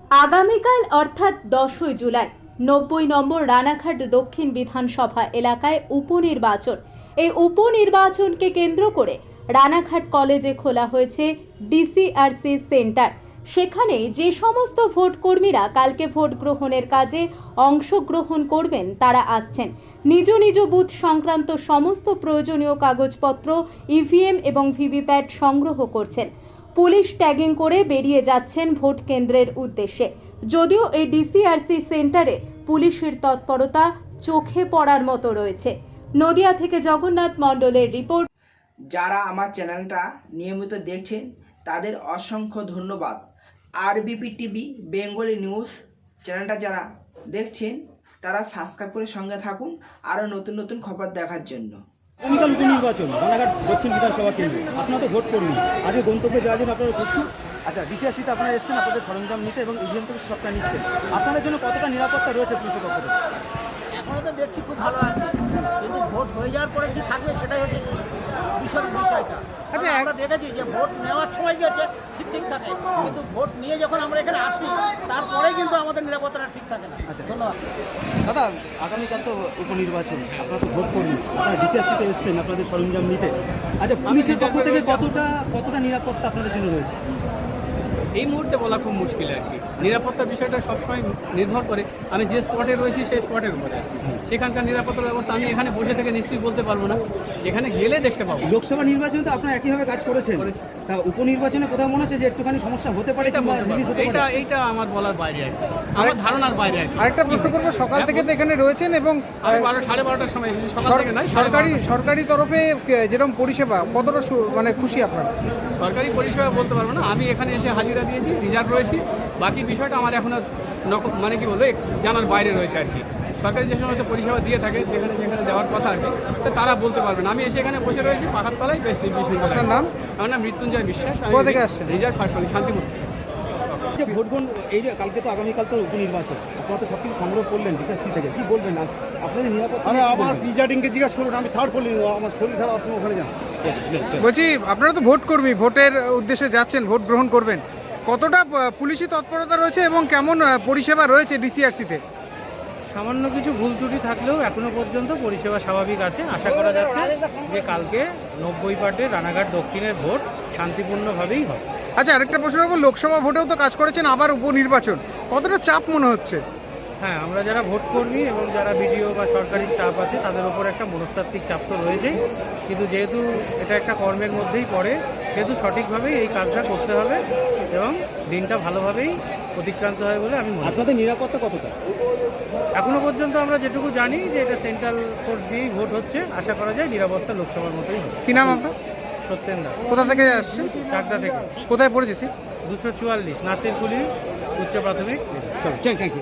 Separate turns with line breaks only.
আগামীকাল অর্থাৎ 10ই জুলাই 90 নম্বর রানাঘাট দক্ষিণ বিধানসভা এলাকায় উপনির্বাচন। এই উপনির্বাচনকে কেন্দ্র করে রানাঘাট কলেজে খোলা হয়েছে ডিসিআরসি সেন্টার। সেখানে যে সমস্ত ভোট কর্মীরা কালকে ভোট গ্রহণের কাজে অংশগ্রহণ করবেন তারা আসছেন। নিজ নিজ বুথ সংক্রান্ত সমস্ত প্রয়োজনীয় কাগজপত্র, ইভিএম এবং ভিভিপ্যাট সংগ্রহ করছেন। পুলিশ ট্যাগিং করে বেরিয়ে যাচ্ছেন ভোট কেন্দ্রের উদ্দেশ্যে। যদিও এই ডিসিআরসি সেন্টারে পুলিশের তৎপরতা চোখে পড়ার মতো রয়েছে। নদিয়া থেকে জগন্নাথ মণ্ডলের রিপোর্ট।
যারা আমার চ্যানেলটা নিয়মিত দেখছেন তাদের অসংখ্য ধন্যবাদ। আরবিপি টিভি বেঙ্গলি নিউজ চ্যানেলটা যারা দেখছেন তারা সাবস্ক্রাইব করে সঙ্গে থাকুন আরও নতুন নতুন খবর দেখার জন্য।
আগামীকাল উপনির্বাচন রানাঘাট দক্ষিণ বিধানসভা কেন্দ্রে আপনারা তো ভোট কর্মী, আজকে গন্তব্যে যাওয়ার জন্য আপনারা প্রস্তুত? আচ্ছা, ডিসিআরসিতে আপনারা এসেছেন আপনাদের সরঞ্জাম নিতে এবং ইভিএম থেকে সবটা নিচ্ছেন। আপনাদের জন্য কতটা নিরাপত্তা রয়েছে পুলিশের পক্ষ থেকে?
এখনও তো দেখছি খুব ভালো আছে, কিন্তু ভোট হয়ে যাওয়ার পরে কি থাকবে সেটাই হচ্ছে বিষয়টা। আচ্ছা, আমরা দেখেছি যে ভোট নেওয়ার সময় গেছে ঠিক থাকে, কিন্তু ভোট নিয়ে যখন আমরা এখানে আসি তারপরেই কিন্তু আমাদের নিরাপত্তাটা ঠিক থাকে না।
আচ্ছা,
ধন্যবাদ
দাদা। আগামীকাল তো উপনির্বাচন, আপনারা তো ভোট কর্মী, আপনারা ডিসিআরসিতে এসেছেন আপনাদের সরঞ্জাম নিতে। আচ্ছা, পুলিশের পক্ষ থেকে কতটা নিরাপত্তা আপনাদের জন্য রয়েছে?
এই মুহূর্তে বলা খুব মুশকিল আর কি। নিরাপত্তার বিষয়টা সবসময় নির্ভর করে আমি যে স্পটে রয়েছি সেই স্পটের উপরে আর কি। সেখানকার নিরাপত্তার ব্যবস্থা আমি এখানে বসে থেকে নিশ্চয়ই বলতে পারবো না, এখানে গেলে দেখতে পাবো।
লোকসভা নির্বাচনে তো আপনারা একইভাবে কাজ করেছেন, তা উপনির্বাচনে কোথাও মনে হচ্ছে যে একটুখানি সমস্যা হতে পারে?
এইটা আমার বলার বাইরে আর কি, আমার ধারণার বাইরে আর কি।
আরেকটা প্রশ্ন করবো, সকাল থেকে তো এখানে রয়েছেন এবং
12:30টার সময়, সকাল থেকে নয়,
সরকারি তরফে যেরকম পরিষেবা কতটা মানে খুশি আপনারা?
সরকারি পরিষেবা বলতে পারবো না, আমি এখানে এসে হাজিরা দিয়েছি, রিজার্ভ রয়েছি। বাকি বিষয়টা আমার এখনো মানে কি বলবো জানার বাইরে রয়েছে আর কি। সরকারি যে সমস্ত পরিষেবা দিয়ে থাকে যেখানে দেওয়ার কথা আর কি, তো তারা বলতে পারবেন। আমি এসে এখানে বসে রয়েছি পাখার তলায়, বেশ নির্বিঘ্ন।
আপনার নাম?
আমার নাম মৃত্যুঞ্জয় বিশ্বাস।
কোথা থেকে আসছেন?
Reserve first Shantipur.
ভোট গ্রহণ, এই যে কালকে তো আগামীকাল তো উপনির্বাচন, আপনারা তো সব কিছু সংগ্রহ করলেন ডিসিআরসি থেকে, কি বলবেন আপনাদের নিরাপত্তা?
আমার প্রিজাইডিংকে জিজ্ঞাসা করুন, আমি থার্ড বলি, আমার শরীর খারাপ, আপনি ওখানে যান। বলছি, আপনারা তো ভোট কর্মী, ভোটের উদ্দেশ্যে যাচ্ছেন, ভোট গ্রহণ করবেন, কতটা পুলিশি তৎপরতা রয়েছে এবং কেমন পরিষেবা রয়েছে ডিসিআরসিতে?
সামান্য কিছু ভুল ত্রুটি থাকলেও এখনো পর্যন্ত পরিষেবা স্বাভাবিক আছে। আশা করা যাচ্ছে যে কালকে 90 পার্টে রানাঘাট দক্ষিণের ভোট শান্তিপূর্ণভাবেই হবে।
আচ্ছা, আরেকটা প্রশ্ন করবো, লোকসভা ভোটেও তো কাজ করেছেন, আবার উপনির্বাচন, কতটা চাপ মনে হচ্ছে?
হ্যাঁ, আমরা যারা ভোট কর্মী এবং যারা বিডিও বা সরকারি স্টাফ আছে তাদের উপর একটা মনস্তাত্ত্বিক চাপ তো রয়েছেই, কিন্তু যেহেতু এটা একটা কর্মের মধ্যেই পড়ে সেহেতু সঠিকভাবেই এই কাজটা করতে হবে এবং দিনটা ভালোভাবেই অতিক্রান্ত হয় বলে আমি মনে করি।
আপনাদের নিরাপত্তা কতটা?
এখনো পর্যন্ত আমরা যেটুকু জানি যে এটা সেন্ট্রাল ফোর্স দিয়েই ভোট হচ্ছে, আশা করা যায় নিরাপত্তা লোকসভার মতোই হবে।
কি নাম আপনার?
সত্যেন দাস।
কোথা থেকে আসছেন?
চাকদা থেকে।
কোথায় পড়েছি?
244 নাসিরকুলি উচ্চ প্রাথমিক।
চলো, থ্যাংক ইউ।